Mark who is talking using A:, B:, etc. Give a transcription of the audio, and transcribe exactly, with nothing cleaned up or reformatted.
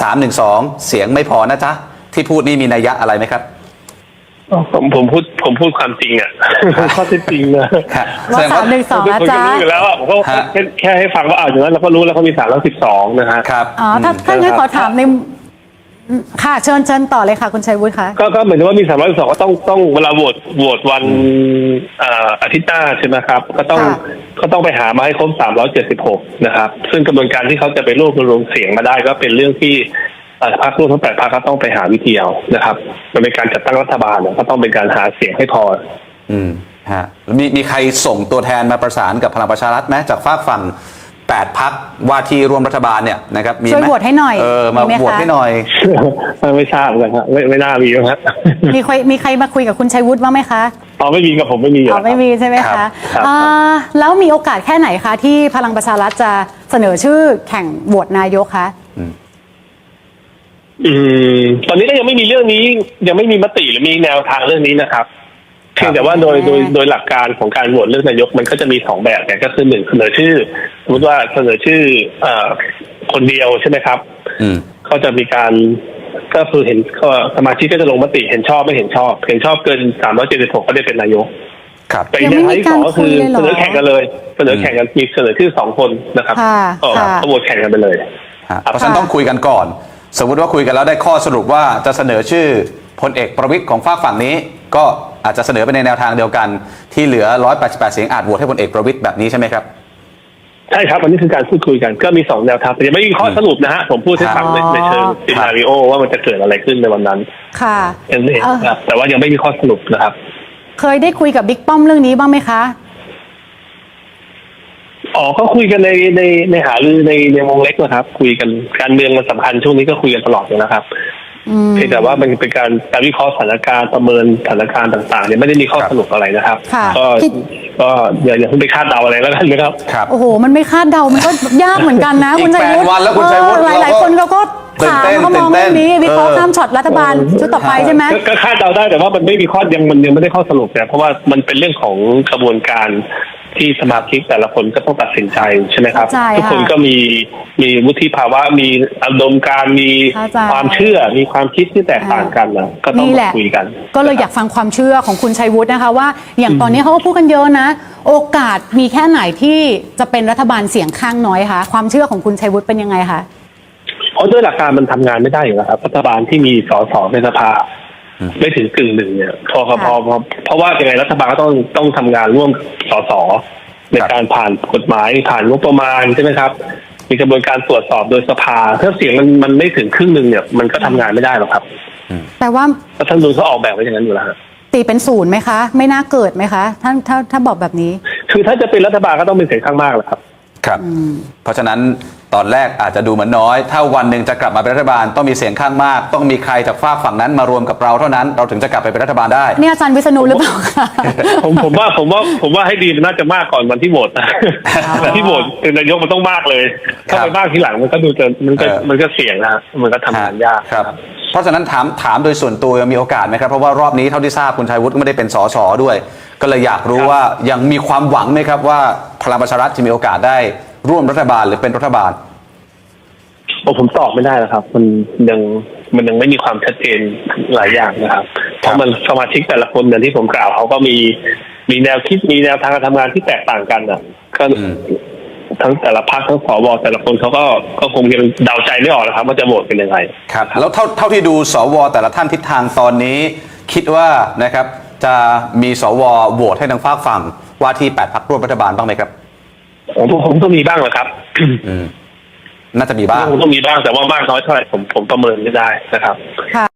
A: สามหนึ่งสองเสียงไม่พอนะจ๊ะที่พูดนี่มีนัยยะอะไรไหมครับ
B: ผมผมพูดผมพูดความจริงอ่ะข้อเท็จจริงนะ
C: ว่าสามหนึ่งสองนะจ๊ะ
B: รู้อยู่แล้วอ่ะผมก็แค่แค่ให้ฟังว่าอ่าอย่างนั้นเราก็รู้แล้วเขามีสามร้อยสิบสองนะฮะ
A: ครับ
C: อ๋อถ้าถ้างั้นขอถามในค่ะเชิญเชิญต่อเลยค่ะคุณชัยวุฒิคะ
B: ก็ก็เหมือนว่ามีสามร้อยสิบสองก็ต้องต้องเวลาโหวตโหวตวันอาทิตย์หน้าใช่ไหมครับก็ต้องก็ต้องไปหามาให้ครบสามร้อยเจ็ดสิบหกนะครับซึ่งกระบวนการที่เขาจะไปรวบรวมเสียงมาได้ก็เป็นเรื่องที่พรรคร่วมทั้งแปดพรรคก็ต้องไปหาวิธีเอานะครับมันเป็นการจัดตั้งรัฐบาลก็ต้องเป็นการหาเสียงให้พอ
A: อืมฮะมีมีใครส่งตัวแทนมาประสานกับพลังประชารัฐไหมจากฝากฝั่งแปดพรรคว่าที่ร่วมรัฐบาลเนี่ยนะครับมีไหม
C: ช่วยโหวตให้หน่อย
A: เออมาโหวตให้หน่อย
B: ไม่ทราบเลยครับไม่ไม่น่ามีครับ
C: มีใครมีใครมาคุยกับคุณชัยวุฒิบ้างไหมคะ
B: อ๋อไม่มีกับผมไม่มี
C: อ๋อไม่มีใช่ไหมคะแล้วมีโอกาสแค่ไหนคะที่พลังประชารัฐจะเสนอชื่อแข่งโหวตนายกคะ
B: อืมตอนนี้ก็ยังไม่มีเรื่องนี้ยังไม่มีมติหรือมีแนวทางเรื่องนี้นะครับเพียงแต่ว่าโดยโดยโดยหลักการของการโหวตเลือกนายกมันก็จะมีสองแบบเนี่ยก็คือหนึ่งเสนอชื่อสมมติว่าเสนอชื่อเอ่อคนเดียวใช่ไหมครับ
A: อืม
B: ก็จะมีการก็คือเห็นก็สมาชิกก็จะลงมติเห็นชอบไม่เห็นชอบเห็นชอบเกินสามร้อยเจ็ดสิบหกก็ได้เป็นนายก
A: ครับ
B: แต่อีกแนวทางที่สองก็คือเสนอแข่งกันเลยเสนอแข่งกันมีเสนอชื่อสองคนนะครับก็โหวตแข่งกันไปเลย
A: เพราะฉะนั้นต้องคุยกันก่อนสมมติว่าคุยกันแล้วได้ข้อสรุปว่าจะเสนอชื่อพลเอกประวิตรของฝากฝั่งนี้ก็อาจจะเสนอไปในแนวทางเดียวกันที่เหลือหนึ่งร้อยแปดสิบแปดเสียงอาจโหวตให้พลเอกประวิตรแบบนี้ใช่ไหมครับ
B: ใช่ครับวันนี้คือการพูดคุยกันก็มีสองแนวทางแต่ยังไม่มีข้อสรุปนะฮะผมพูดให้ฟังในเชิงซีนาริโอว่ามันจะเกิดอะไรขึ้นในวันนั้น
C: ค่ะ
B: เองครับแต่ว่ายังไม่มีข้อสรุปนะครับ
C: เคยได้คุยกับบิ๊กป้อมเรื่องนี้บ้างไหมคะ
B: อ๋อก็คุยกันในในในหารือในในวงเล็กนะครับคุยกันการเมืองมันสำคัญช่วงนี้ก็คุยกันตลอดเลยนะครับเพียงแต่ว่ามันเป็นการการวิเคราะห์สถานการณ์ประเมินสถานการณ์ต่างๆเนี่ยไม่ได้มีข้อสรุปอะไรนะครับก็ก็อย่าอย่าเพิ่งไปคาดเดาอะไรแล้วกันนะครับ
C: โอ้โหมันไม่คาดเดามันก็ยากเหมือนกันนะคุณชัยวุฒิหลายหลายคนเขาก็ถามเขามองเรื่องนี้วิเคราะห์ข้ามช็อตรัฐบาลชุดต่อไปใช่ไหม
B: ก็คาดเดาได้แต่ว่ามันไม่มีข้อยังมันยังไม่ได้ข้อสรุปเนี่ยเพราะว่ามันเป็นเรื่องของกระบวนการที่สมาชิกแต่ละคนก็ต้องตัดสินใจใช่ไหมครับทุกคนก็มีมีวุฒิภาวะมีอารมณ์การมีความเชื่อมีความคิดที่แตกต่างกันนะก็ต้องคุยกัน
C: ก็เลยอยากฟังความเชื่อของคุณชัยวุฒินะคะว่าอย่างตอนนี้เขาก็พูดกันเยอะนะโอกาสมีแค่ไหนที่จะเป็นรัฐบาลเสียงข้างน้อยคะความเชื่อของคุณชัยวุฒิเป็นยังไงคะ
B: เพราะด้วยหลักการมันทำงานไม่ได้อยู่แล้วครับรัฐบาลที่มีสสในสภาไม่ถึงกึ่งหนึ่งเนี่ยพอพอเพราะว่ายังไงรัฐบาลก็ต้องต้องทำงานร่วมสสในการผ่านกฎหมายผ่านงบประมาณใช่ไหมครับมีกระบวนการตรวจสอบโดยสภาถ้าเสียงมันมันไม่ถึงครึ่งหนึ่งเนี่ยมันก็ทำงานไม่ได้หรอกครับ
C: แต่ว่า
B: รัฐธรรมนูญเขาออกแบบไว้อย่างนั้นอยู่แล้ว
C: ตีเป็นศูนย์ไหมคะไม่น่าเกิดไหมคะถ้าถ้าถ้าบอกแบบนี้
B: คือถ้าจะเป็นรัฐบาลก็ต้องเป็นเสียงข้างมากแหละครับ
A: ครับเพราะฉะนั้นตอนแรกอาจจะดูเหมือนน้อยถ้าวันหนึ่งจะกลับมาเป็นรัฐบาลต้องมีเสียงข้างมากต้องมีใครจากฝากฝั่งนั้นมารวมกับเราเท่านั้นเราถึงจะกลับไปเป็นรัฐบาลได้
C: นี่อาจารย์วิษณุหรือเปล่าคะ
B: ผมผมว่าผมว่าผมว่าให้ดีมันน่าจะมากก่อนวันที่โหวตนะแต่ที่โหวตเป็นนายกมันต้องมากเลยถ้าไปมากทีหลังมันก็ดูจะมันก็มันก็เสี่ยงนะมันก็ทำงานยาก
A: ครับเพราะฉะนั้นถามถามโดยส่วนตัวมีโอกาสไหมครับเพราะว่ารอบนี้เท่าที่ทราบคุณชัยวุฒิก็ไม่ได้เป็นสสด้วยก็เลยอยากรู้ว่ายังมีความหวังไหมครับว่าพลังประชารัฐจะมีโอกาสได้ร่วมรัฐบาลหรือเป็นรัฐบาล
B: โอ้ผมตอบไม่ได้แล้วครับมันยังมันยังไม่มีความชัดเจนหลายอย่างนะครับเพราะมันสมาชิกแต่ละคนอย่างที่ผมกล่าวเขาก็มีมีแนวคิดมีแนวทางการทำงานที่แตกต่างกันอ่ะก็ทั้งแต่ละพรรคทั้งสวแต่ละคนเขาก็ก็คงยังเดาใจไม่ออกนะครับว่าจะโหวตเป็นยังไง
A: ครับแล้วเท่าเท่าที่ดูสวแต่ละท่านทิศทางตอนนี้คิดว่านะครับจะมีสวโหวตให้ทางฝากฝั่งว่าที่แปดพรรคร่วมรัฐบาลบ้างไหมครับ
B: ผมผมต้องมีบ้างแหละครับ
A: น่าจะมีบ้าง
B: ต้องมีบ้างแต่ว่ามากน้อยเท่าไหร่ผมผมประเมินไม่ได้นะครับ